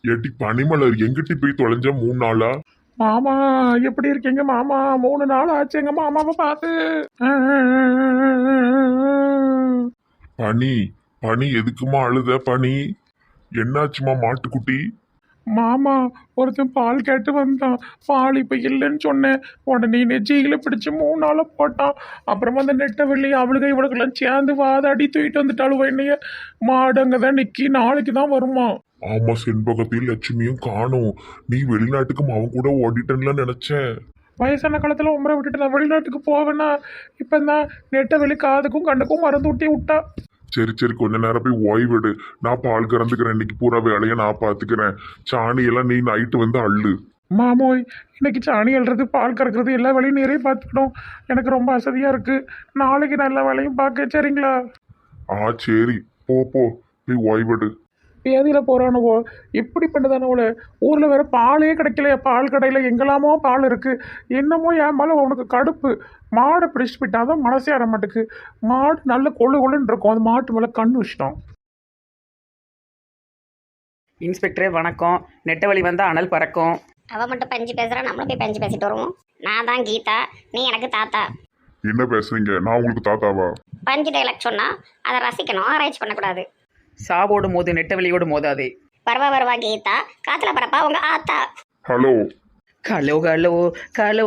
ஏட்டி பனிமலர் எங்கிட்டி போய் தொலைஞ்ச 3 நாளா? மாமா எப்படி இருக்கீங்க மாமா? 3 நாள் ஆச்சு எங்க மாமாவை பார்த்து. பனி பனி எதுக்குமா அழுத பனி? என்னாச்சுமா மாட்டுக்குட்டி? மாமா ஒருத்தன் பால் கேட்டு வந்தான். பால் இப்போ இல்லைன்னு சொன்னேன். உடனே நெஜியில பிடிச்சி 3 நாளை போட்டான். அப்புறமா அந்த நெட்டை வெள்ளி அவளுக்கு இவளுக்கெல்லாம் சேர்ந்து வாதாடி தூக்கிட்டு வந்துட்டாளுவ என்னைய. மாடு அங்கே தான் நிற்கி நாளைக்கு தான் வருமா. ஆமா, செண்பகத்தையும் லட்சுமியும் காணும். நீ வெளிநாட்டுக்கு அவன் கூட ஓடிட்டன்ல நினைச்சேன். வயசான காலத்தில் உமரை விட்டுட்டு நான் வெளிநாட்டுக்கு போவேன்னா இப்போ தான் நெட்டை வெளி காதுக்கும் கண்ணுக்கும் மருந்து ஊட்டி விட்டா. சரி சரி, கொஞ்ச நேரம் போய் ஓய்விடு. நான் பால் கறந்துக்கிறேன். இன்னைக்கு பூரா வேலையை நான் பார்த்துக்கிறேன். சாணியெல்லாம் நீ நைட்டு வந்து அள்ளு. மாமோய் இன்னைக்கு சாணி அள்ளுறது பால் கறக்கிறது எல்லா வேலையும் நீரே பார்த்துக்கணும். எனக்கு ரொம்ப அசதியாக இருக்குது. நாளைக்கு நான் எல்லா வேலையும் பார்க்க சரிங்களா? சரி, போ போ, போய் ஓய்விடு. பேதியில் போகிறானுவோ இப்படி பண்ணுதானவோல. ஊரில் வேற பாலே கிடைக்கலையா? பால் கடையில் எங்கெல்லாமோ பால் இருக்குது. என்னமோ என் மேலே உனக்கு கடுப்பு. மாடை பிடிச்சிட்டு போயிட்டான் தான் மனசே ஆற மாட்டுக்கு. மாடு நல்ல கொள்ளுன்னு இருக்கும். அது மாட்டு மேலே கண்ணு வச்சிட்டோம். இன்ஸ்பெக்டரே வணக்கம். நெட்டவழி வந்தால் அனல் பறக்கும். அவள் மட்டும் பஞ்சு பேசுகிறா, நம்மளும் போய் பஞ்சு பேசிட்டு வருவோம். நான் தான் கீதா, நீ எனக்கு தாத்தா. என்ன பேசுறீங்க? நான் உங்களுக்கு தாத்தாவா? பஞ்சு டைலாக் சொன்னால் அதை ரசிக்கணும், ஆராய்ச்சி பண்ணக்கூடாது. சாவோடு மோது நெட்டவெளியோடு மோதாதே. வருவா கீதா, காத்துல பரப்பா உங்க ஆத்தா. ஹலோ கலோ கலோ கலோ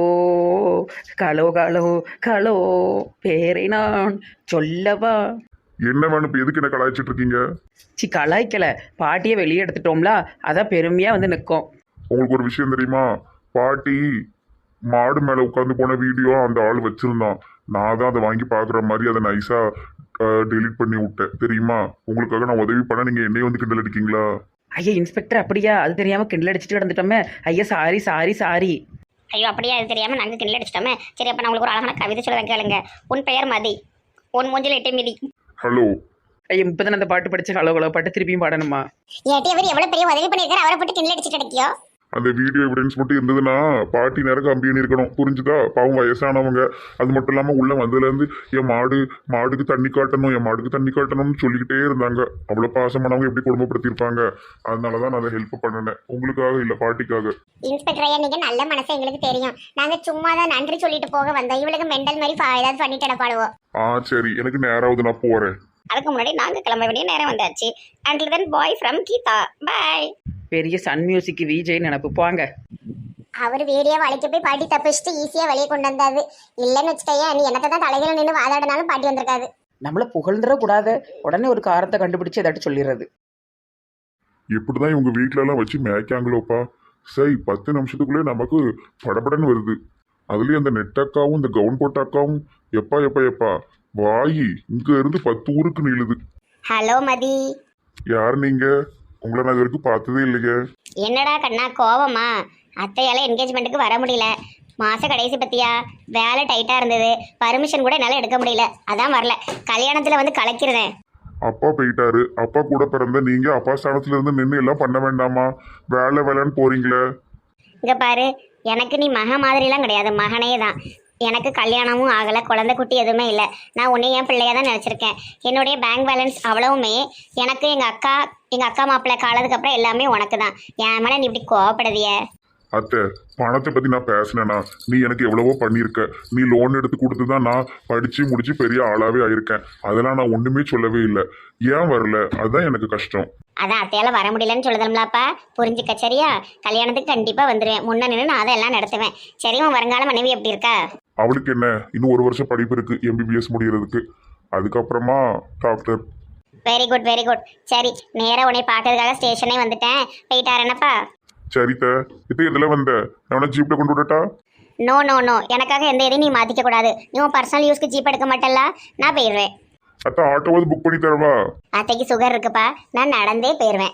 கலோ கலோ கலோ பேரை நான் சொல்லவா? என்ன வேணும்? இப்போ எதுக்கு என்ன கலாய்ச்சிட்டு இருக்கீங்க? கலாய்க்கலை, பாட்டியை வெளியே எடுத்துட்டோம்ல, அதான் பெருமையாக வந்து நிற்கும். உங்களுக்கு ஒரு விஷயம் தெரியுமா? பாட்டி மாடு மேலே உட்காந்து போன வீடியோ அந்த ஆள் வச்சிருந்தான். நான் தான் அதை வாங்கி பார்க்குற மாதிரி அதை நைஸாக டெலீட் பண்ணி விட்டேன். தெரியுமா? உங்களுக்காக நான் உதவி பண்ண நீங்கள் என்னையே வந்து கிண்டல் அடிக்கீங்களா? ஐயா இன்ஸ்பெக்டர், அப்படியா? அது தெரியாமல் கிண்டல் அடிச்சுட்டு கிடந்துட்டோமே. ஐயா சாரி சாரி சாரி. ஐயோ அப்படியே அது தெரியாமல் நாங்கள் கிண்டல் அடிச்சிட்டோமே. சரி, அப்போ நான் உங்களுக்கு ஒரு அழகான கவிதை சொல்லுவேன் கேளுங்க. உன் பெயர் மதி, உன் மூஞ்சில் எட்டு மிதி. ஹலோ ஐயா இப்போ தானே அந்த பாட்டு படிச்சு ஹலோ ஹலோ பாட்டு திருப்பியும் பாடணுமா? ஏட்டி அவர் எவ்வளோ பெரிய உதவி பண்ணியிருக்காரு, அவரை போட்டு கிண்டல் அடிச்சுட்டு கிடைக்கியோ. அந்த வீடியோ எவிடன்ஸ் மட்டும் இருந்ததுன்னா பாட்டி நேரம் கம்பின்னு இருக்கணும். புரிஞ்சுதா? பாவம் வயசானவங்க. அது மட்டும் இல்லாமல் உள்ள வந்ததுலேருந்து என் மாடுக்கு தண்ணி காட்டணும், என் மாடுக்கு தண்ணி காட்டணும்னு சொல்லிக்கிட்டே இருந்தாங்க. அவ்வளோ பாசமானவங்க எப்படி குடும்பப்படுத்தியிருப்பாங்க. அதனால தான் நான் அதை ஹெல்ப் பண்ணினேன். உங்களுக்காக இல்லை, பாட்டிக்காக. இன்ஸ்பெக்டர் ஐயா, நீங்கள் நல்ல மனசு எங்களுக்கு தெரியும். நாங்கள் சும்மா தான் நன்றி சொல்லிட்டு போக வந்தோம். இவளுக்கு மெண்டல் மாதிரி ஏதாவது பண்ணிட்டு இடப்பாடுவோம். சரி, எனக்கு நேராவது நான் போகிறேன். அதுக்கு முன்னாடி நாங்கள் கிளம்ப வேண்டிய நேரம் வந்தாச்சு. Until then bye from Geetha, bye. பெரிய சன் மியூசிக் விஜய் நினப்பு போங்க. அவர் வீடியோ வளைக்க போய் பாட்டி தப்பிச்சுட்டு ஈஸியாக வெளியே கொண்டு வந்தாரு. இல்லைன்னு வச்சுக்கையா, நீ எனக்கு தான் தலைகளை நின்று வாதாடினாலும் பாட்டி வந்திருக்காது. நம்மளை புகழ்ந்துடக்கூடாது. உடனே ஒரு காரத்தை கண்டுபிடிச்சு ஏதாட்டும் சொல்லிடுறது. எப்படிதான் இவங்க வீட்டிலலாம் வச்சு மேய்க்காங்களோப்பா. சரி, 10 நிமிஷத்துக்குள்ளே நமக்கு படபடன்னு வருது. அதுலேயும் அந்த நெட்டக்காவும் இந்த கவுன் போட்டாக்காவும் எப்பா எப்பா எப்பா வாயி இங்க இருந்து 10 ஊருக்கு நீளுது. ஹலோ மதி. யார் நீங்க? உங்களை நான் இது வரைக்கும் பார்த்ததே இல்லையே. என்னடா கண்ணா கோவமா? அத்தையால என்கேஜ்மெண்ட்டுக்கு வர முடியல. மாச கடைசி பத்தியா வேலை டைட்டா இருந்தது. பர்மிஷன் கூட என்னால் எடுக்க முடியல, அதான் வரல. கல்யாணத்துல வந்து கலக்கிறேன். அப்பா போயிட்டாரு. அப்பா கூட பிறந்த நீங்க அப்பா ஸ்தானத்துல இருந்து நின்று எல்லாம் பண்ண வேண்டாமா? வேலைன்னு போறீங்களே. இங்க பாரு, எனக்கு நீ மக மாதிரிலாம் கிடையாது, மகனே தான். எனக்கு கல்யாணமும் ஆகலை, குழந்தை குட்டி எதுவுமே இல்லை. நான் உன்னை என் பிள்ளையா தான் நினச்சிருக்கேன். என்னுடைய பேங்க் பேலன்ஸ் அவ்வளவுமே எனக்கு எங்கள் அக்கா மாப்பிள்ளை காலத்துக்கு அப்புறம் எல்லாமே உனக்கு தான். என் மேலே நீ இப்படி கோவப்படுதிய? அத்தை, பணத்தை பத்தி நான் பேசினேன்னா நீ எனக்கு எவ்வளவோ பண்ணியிருக்க. நீ லோன் எடுத்து கொடுத்து தான் நான் படிச்சு முடிச்சு பெரிய ஆளாவே ஆயிருக்கேன். அதெல்லாம் நான் ஒண்ணுமே சொல்லவே இல்லை. ஏன் வரல? அதுதான் எனக்கு கஷ்டம். அதான் அத்தையால வர முடியலன்னு சொல்லுதம்லாப்பா, புரிஞ்சுக்க சரியா? கல்யாணத்துக்கு கண்டிப்பாக வந்துடுவேன். முன்ன நின்று நான் அதெல்லாம் நடத்துவேன். சரி, உன் வருங்கால மனைவி எப்படி இருக்கா? அவளுக்கு என்ன, இன்னும் 1 வருஷம் படிப்பு இருக்கு MBBS முடிகிறதுக்கு. அதுக்கப்புறமா doctor. Very good very good. சரி, நேராக உன்னை பார்க்கறதுக்காக ஸ்டேஷனே வந்துட்டேன். போயிட்டாரேனப்பா? சரித்த, இப்போ இதில் வந்த நான் ஜீப்ல கொண்டு விடட்டா? நோ நோ நோ, எனக்காக எந்த இதையும் நீ மாற்றிக்க கூடாது. நீ உன் பர்சனல் யூஸ்க்கு ஜீப் எடுக்க மாட்டல்ல, நான் போயிடுவேன். அத்தை, ஆட்டோவாவது புக் பண்ணி தரவா? அத்தைக்கு சுகர் இருக்குப்பா, நான் நடந்தே போயிடுவேன்.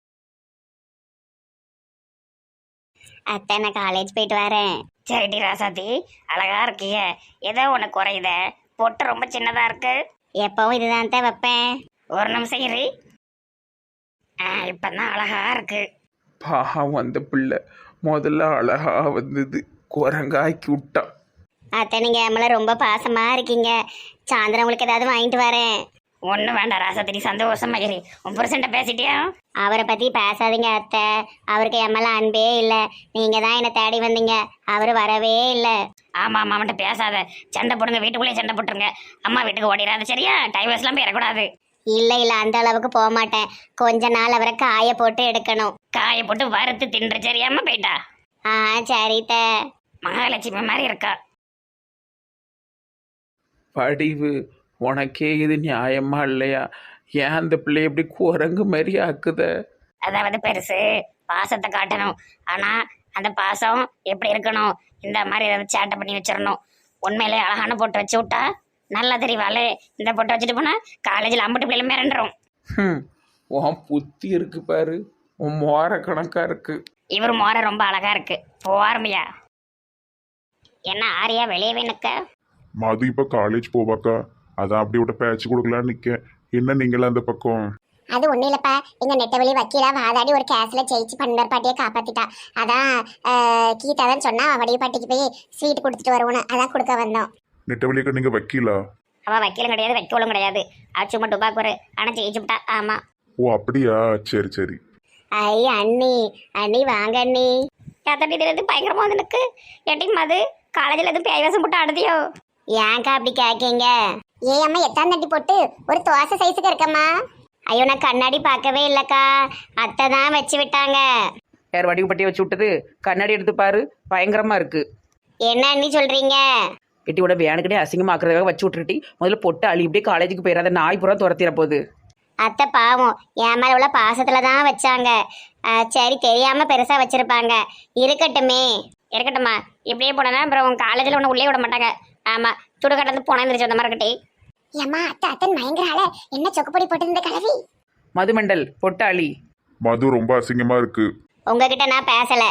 அத்தை, நான் காலேஜ் போயிட்டு வரேன். சரிடி ராசாத்தி, அழகா இருக்கிய. ஏதோ உனக்கு குறையுத, பொட்டு ரொம்ப சின்னதா இருக்கு. எப்பவும் இதுதான் தான் வைப்பேன். ஒரு நிமிஷம் இரு. இப்பதான் அழகா இருக்கு. பாவம் அந்த பிள்ளை முதல்ல அழகா வந்தது, குரங்காக்கி விட்டான். அத்தை, நீங்கள் என் மேலே ரொம்ப பாசமாக இருக்கீங்க. சாயந்தரம் உங்களுக்கு ஏதாவது வாங்கிட்டு வரேன். ஒன்றும் வேண்டாம் ராசாத்திரி, சந்தோஷமா இரு. உன் புருஷன்ட்ட பேசிட்டியா? அவரை பத்தி பேசாதீங்க அத்தை. அவருக்கு என் மேல அன்பே இல்லை. நீங்க தான் என்னை தேடி வந்தீங்க. அவர் வரவே இல்லை. ஆமா ஆமா, அவன்கிட்ட பேசாத. சண்டை போடுங்க, வீட்டுக்குள்ளேயே சண்டை போட்டுருங்க. அம்மா வீட்டுக்கு ஓடிடாது சரியா? டைவர்ஸ்லாம் போயிடக்கூடாது. இல்லை இல்லை, அந்த அளவுக்கு போக மாட்டேன். கொஞ்ச நாள் அவரை காய போட்டு எடுக்கணும். காய போட்டு வறுத்து தின்று சரியாம போயிட்டா. ஆ சரி தே. மகாலட்சுமி மாதிரி இருக்கா. படிவு, உனக்கே இது நியாயமா இல்லையா? ஏன் அந்த பிள்ளை எப்படி குரங்கு மாதிரி ஆக்குத? அதாவது பெருசு பாசத்தை காட்டணும். ஆனா அந்த பாசம் எப்படி இருக்கணும்? இந்த மாதிரி ஏதாவது சேட்டை பண்ணி வச்சிடணும். உண்மையிலே அழகான போட்டு வச்சு விட்டா நல்லா தெரியவாளே. இந்த போட்டு வச்சுட்டு போனா காலேஜில் அம்பட்டு பிள்ளைல மிரண்டுரும். உன் புத்தி இருக்கு பாரு, உன் மோர கணக்கா இருக்கு. இவர் மோர ரொம்ப அழகா இருக்கு. போவாரமையா? என்ன ஆரியா வெளியவே நிற்க? மது இப்போ காலேஜ் போவாக்கா, அதான் அப்படி விட்ட பேச்சு கொடுக்கலான்னு நிற்கேன். என்ன நீங்களா அந்த பக்கம்? அது ஒன்றும் இல்லைப்பா, எங்கள் நெட்டவெளி வக்கீலா வாதாடி ஒரு கேஸில் ஜெயிச்சு பண்டர் பாட்டியை காப்பாற்றிட்டா. அதான் கீதா தான் சொன்னா வடிவு பாட்டிக்கு போய் ஸ்வீட் கொடுத்துட்டு வருவோன்னு, அதான் கொடுக்க வந்தோம். நெட்டவழியக்கா நீங்கள் வக்கீலா? அவள் வக்கீலும் கிடையாது, வைக்கோலும் கிடையாது. அவ சும்மா டுபாக்கு ஆனால் ஜெயிச்சுட்டா. ஆமா. ஓ அப்படியா, சரி சரி. ஐ அண்ணி, அண்ணி வாங்க அண்ணி. ஏத்தட்டி தெரியாது பயங்கரமா வந்து நிற்கு. எட்டிங் அது காலேஜில் எதுவும் பேய்வாசம் போட்டு ஆடுதியோ? ஏன்க்கா அப்படி கேட்கீங்க? ஏ அம்மா எத்தாம் தட்டி போட்டு ஒரு தோசை சைஸுக்கு இருக்கம்மா. ஐயோ நான் கண்ணாடி பார்க்கவே இல்லைக்கா, அத்தை தான் வச்சு விட்டாங்க. யார் வடிவு பட்டியை வச்சு விட்டது? கண்ணாடி எடுத்து பாரு, பயங்கரமா இருக்கு. என்ன அண்ணி சொல்றீங்க? எட்டியோட வேணுக்கிட்டே அசிங்கமாக்குறதுக்காக வச்சு விட்டுருட்டி. முதல்ல பொட்டு அழி இப்படியே காலேஜுக்கு போயிடாத, நாய் புறம் துரத்திட போகுது. அத்தை பாவம் என் மேல உள்ள பாசத்துல தான் வச்சாங்க. சரி தெரியாம பெருசா வச்சிருப்பாங்க. இருக்கட்டுமே. இருக்கட்டும்மா, இப்படியே போனா அப்புறம் உன் காலேஜில் ஒன்று உள்ளே விட மாட்டாங்க. ஆமா, சுடுகாட்டில் போனா இருந்துச்சு அந்த மாதிரி கட்டி. ஏம்மா அத்தை அத்தன் மயங்கரால என்ன சொக்குப்பொடி போட்டிருந்த கலவி. மதுமண்டல் பொட்டு அழி. மது ரொம்ப அசிங்கமா இருக்கு. உங்ககிட்ட நான் பேசல.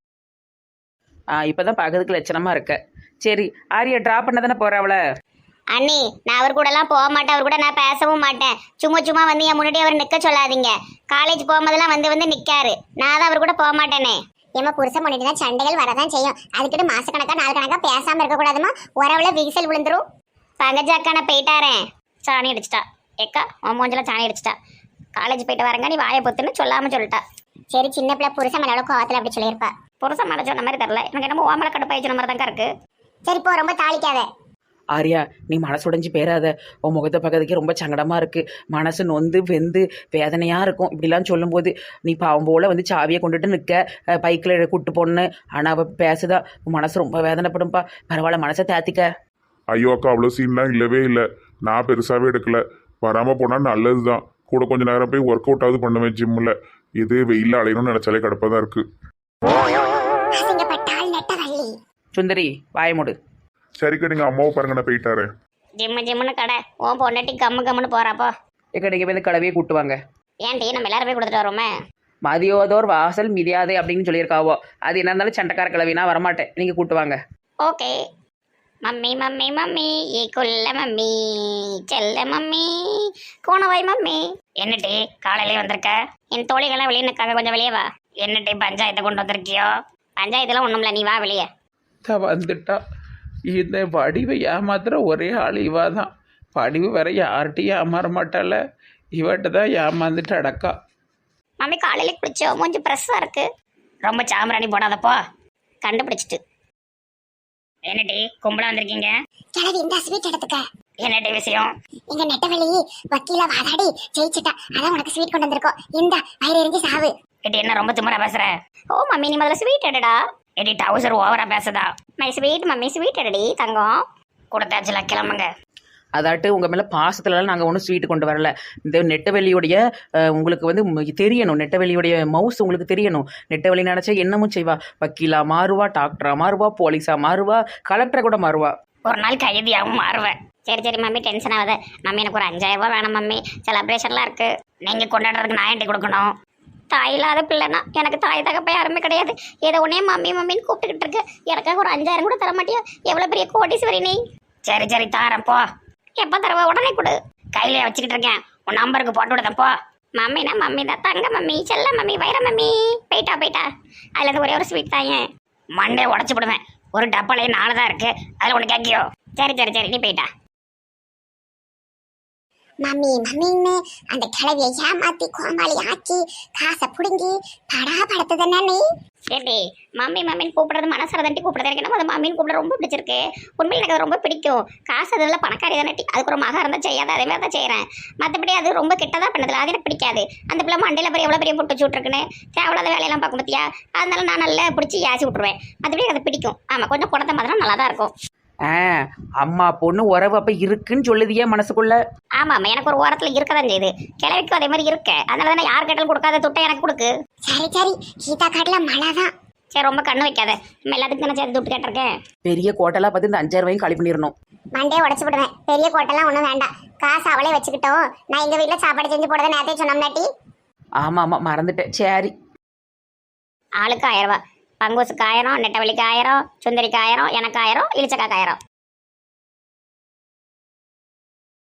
இப்பதான் பார்க்கறதுக்கு லட்சணமா இருக்க. சரி ஆரியா ட்ராப் பண்ண தானே போற அவளை? அண்ணி நான் அவர் கூட எல்லாம் போக மாட்டேன். அவர் கூட நான் பேசவும் மாட்டேன். சும்மா சும்மா வந்து என் முன்னாடி அவர் நிக்க சொல்லாதீங்க. காலேஜ் போகும்போதெல்லாம் வந்து வந்து நிக்காரு. நான் தான் அவர் கூட போக மாட்டேனே. ஏமா புருஷன் பண்ணிட்டு தான் சண்டைகள் வரதான் செய்யும். அதுக்கிட்ட மாசக்கணக்கா நாள் கணக்கா பேசாம இருக்க கூடாதுமா. உறவுல விரிசல் விழுந்துரும். பங்கஜாக்கா நான் போயிட்டாரேன். சாணி அடிச்சிட்டா. ஏக்கா உன் மூஞ்சில சாணி அடிச்சிட்டா. காலேஜ் போயிட்டு வரங்க, நீ வாயை பொத்துன்னு சொல்லாம சொல்லிட்டா. சரி சின்ன பிள்ளை புருஷன் மேல கோவத்துல அப்படி சொல்லியிருப்பா. புருஷன் மேலே சொன்ன மாதிரி தெரியல. எனக்கு என்னமோ ஓமலை கடுப்பாயிச்சு மாதிரி தாங்க இருக்கு. சரி போ, ரொம்ப தாளிக்காத. ஆரியா நீ மனசுடைஞ்சு பேராத. உன் முகத்தை பார்க்கறதுக்கே ரொம்ப சங்கடமா இருக்கு. மனசு நொந்து வெந்து வேதனையா இருக்கும். இப்படிலாம் சொல்லும்போது நீ பாவம் போல வந்து சாவியை கொண்டுட்டு நிற்க, பைக்கில் கூட்டு போன்னு. ஆனால் அவள் பேசுதா, உன் மனசு ரொம்ப வேதனைப்படும்பா. பரவாயில்ல, மனசை தேத்திக்க. ஐயோ அக்கா, அவ்வளோ சீன்லாம் இல்லவே இல்லை. நான் பெருசாகவே எடுக்கல. வராமல் போனால் நல்லது தான். கூட கொஞ்ச நேரம் போய் ஒர்க் அவுட் ஆகுது பண்ணுவேன் ஜிம்மில். இது வெயிலில் அலையணும்னு நினச்சாலே கடுப்பாக தான் இருக்குது. சுந்தரி வாயமுடு. சரிக்கா, நீங்கள் அம்மாவை பாருங்க, நான் போயிட்டாரேன். ஜிம்முன்னு கடை உன் பொண்டாட்டி கம்முன்னு போறாப்போ. எக்கடைக்கு போய் இந்த கலவையை கூட்டுவாங்க. ஏன்டி நம்ம எல்லாரும் போய் கொடுத்துட்டு வரோமே. மதியோதோர் வாசல் மிதியாதே அப்படின்னு சொல்லியிருக்காவோ. அது என்ன இருந்தாலும் சண்டைக்கார கிளவினா வரமாட்டேன், நீங்கள் கூட்டுவாங்க. ஓகே. மம்மி மம்மி மம்மி ஏ கொல்ல மம்மி செல்ல மம்மி கோணவாய் மம்மி. என்னட்டி காலையிலே வந்திருக்க? என் தோழிகள்லாம் வெளியே நிற்காங்க, கொஞ்சம் வெளியே வா. என்னட்டி பஞ்சாயத்தை கொண்டு வந்திருக்கியோ? பஞ்சாயத்துலாம் ஒன்றும் இல்லை, நீ வா வெளியே. வந்துட்டா. இந்த வடிவை ஏமாத்துற ஒரே ஆள் இவா தான். வடிவு வேற யார்கிட்டையும் ஏமாற மாட்டால, இவட்ட தான் ஏமாந்துட்டு அடக்கா. மம்மி காலையிலே குளிச்சோ, மூஞ்சி ப்ரெஸ்ஸாக இருக்கு. ரொம்ப சாம்பிராணி போடாதப்போ, கண்டுபிடிச்சிட்டு. என்னடி கும்பலா வந்திருக்கீங்க? கிளவி இந்த ஸ்வீட் எடுத்துக்க. என்னடி விஷயம்? எங்க நெட்டவெளி வக்கீல வாதாடி ஜெயிச்சுட்டா. அதான் உனக்கு ஸ்வீட் கொண்டு வந்திருக்கோம். இந்த வயிறு எரிஞ்சு சாவு. எடி என்ன ரொம்ப திமிரா பேசுற? ஓ மம்மி நீ முதல்ல ஸ்வீட் எடுடா. எடி டவுசர் ஓவரா பேசுதா? மை ஸ்வீட் மம்மி ஸ்வீட் எடுடி தங்கம். கொடுத்தாச்சுல, கிளம்புங்க. அதாட்டு உங்கள் மேலே பாசத்துலலாம் நாங்கள் ஒன்றும் ஸ்வீட்டு கொண்டு வரல. இந்த நெட்டவெளியுடைய உங்களுக்கு வந்து தெரியணும், நெட்டவெளியுடைய மவுஸ் உங்களுக்கு தெரியணும். நெட்டவெளி நினச்சா என்னமும் செய்வா. வக்கீலா மாறுவா, டாக்டரா மாறுவா, போலீஸா மாறுவா, கலெக்டரை கூட மாறுவா. ஒரு நாள் கைதியாகவும் மாறுவேன். சரி சரி மம்மி டென்ஷன் ஆகுது. மம்மி எனக்கு ஒரு 5000 ரூபா வேணும் மம்மி. செலப்ரேஷன்லாம் இருக்கு. நீங்கள் கொண்டாடுறதுக்கு நான் என்கிட்ட கொடுக்கணும். தாய் இல்லாத பிள்ளைனா எனக்கு தாய் தகப்ப யாருமே கிடையாது. ஏதோ உடனே மம்மி மம்மின்னு கூப்பிட்டுக்கிட்டு இருக்கு. எனக்காக ஒரு 5000 கூட தர மாட்டியா? எவ்வளோ பெரிய கோடீஸ்வரி நீ. சரி சரி தாரேன் போ. எப்போ தரவா? உடனே கொடு. கையிலே வச்சுக்கிட்டு இருக்கேன். உன் நம்பருக்கு போட்டு விடுதேன் போ. மம்மினா மம்மி தான், தங்க மம்மி, செல்ல மம்மி, வைர மம்மி. போயிட்டா அதில் இருந்து ஒரே ஒரு ஸ்வீட் தாங்க. மண்டே உடச்சி விடுவேன். ஒரு டப்பாலே 4 தான் இருக்கு. அதில் ஒன்று கேட்கியோ? சரி சரி சரி நீ போயிட்டா. மம்மி மம்மின்னு அந்த கிளவியை ஏமாத்தி கோமாளி ஆக்கி காசை புடுங்கி படா படுத்துதானே நீ. ஏடி மம்மி மம்மின்னு கூப்பிடுறது மனசார தண்டி கூப்பிடுறது எனக்கு நம்ம அது மம்மின்னு கூப்பிட ரொம்ப பிடிச்சிருக்கு. உண்மையில் எனக்கு அது ரொம்ப பிடிக்கும். காசு அதில் பணக்காரி தானே, அதுக்கு ஒரு மகா இருந்தால் செய்யாத அதே மாதிரி தான் செய்கிறேன். மற்றபடி அது ரொம்ப கெட்டதாக பண்ணதில்ல, அது எனக்கு பிடிக்காது. அந்த பிள்ளை மண்டையில் பெரிய எவ்வளோ பெரிய புட்டு விட்டுருக்குன்னு தேவையில்லாத வேலையெல்லாம் பார்க்க பார்த்தியா, அதனால நான் நல்லா பிடிச்சி யாசி விட்ருவேன். மற்றபடி அது பிடிக்கும். ஆமாம், கொஞ்சம் குடத்த மாதிரி நல்லா தான் இருக்கும். அம்மா பொண்ணு உறவு அப்போ இருக்குன்னு சொல்லுதியே மனசுக்குள்ள. ஆமாம், எனக்கு ஒரு ஓரத்தில் இருக்க தான் செய்யுது. கிழவிக்கும் அதே மாதிரி இருக்க, அதனால தானே யார் கேட்டாலும் கொடுக்காத துட்டை எனக்கு கொடுக்கு. சரி சரி, கீதா காட்டில் மழை தான். சரி, ரொம்ப கண்ணு வைக்காத. நம்ம எல்லாத்துக்கும் தானே சேர்த்து துட்டு கேட்டிருக்கேன். பெரிய கோட்டெல்லாம் பார்த்து இந்த 5,000 ரூபாயும் காலி பண்ணிடணும். மண்டே உடச்சு விடுவேன். பெரிய கோட்டெல்லாம் ஒன்றும் வேண்டாம், காசு அவளே வச்சுக்கிட்டோம். நான் எங்கள் வீட்டில் சாப்பாடு செஞ்சு போடுறதை நேரத்தையும் சொன்னோம்னாட்டி. ஆமாம் ஆமாம் மறந்துட்டேன். சரி, ஆளுக்கு 1000 ரூபா. பங்குசுக்கு 1000, நெட்டவழிக்கு 1000, சுந்தரிக்கு 1000, எனக்கு 1000, இளிச்சக்காக்கு 1000.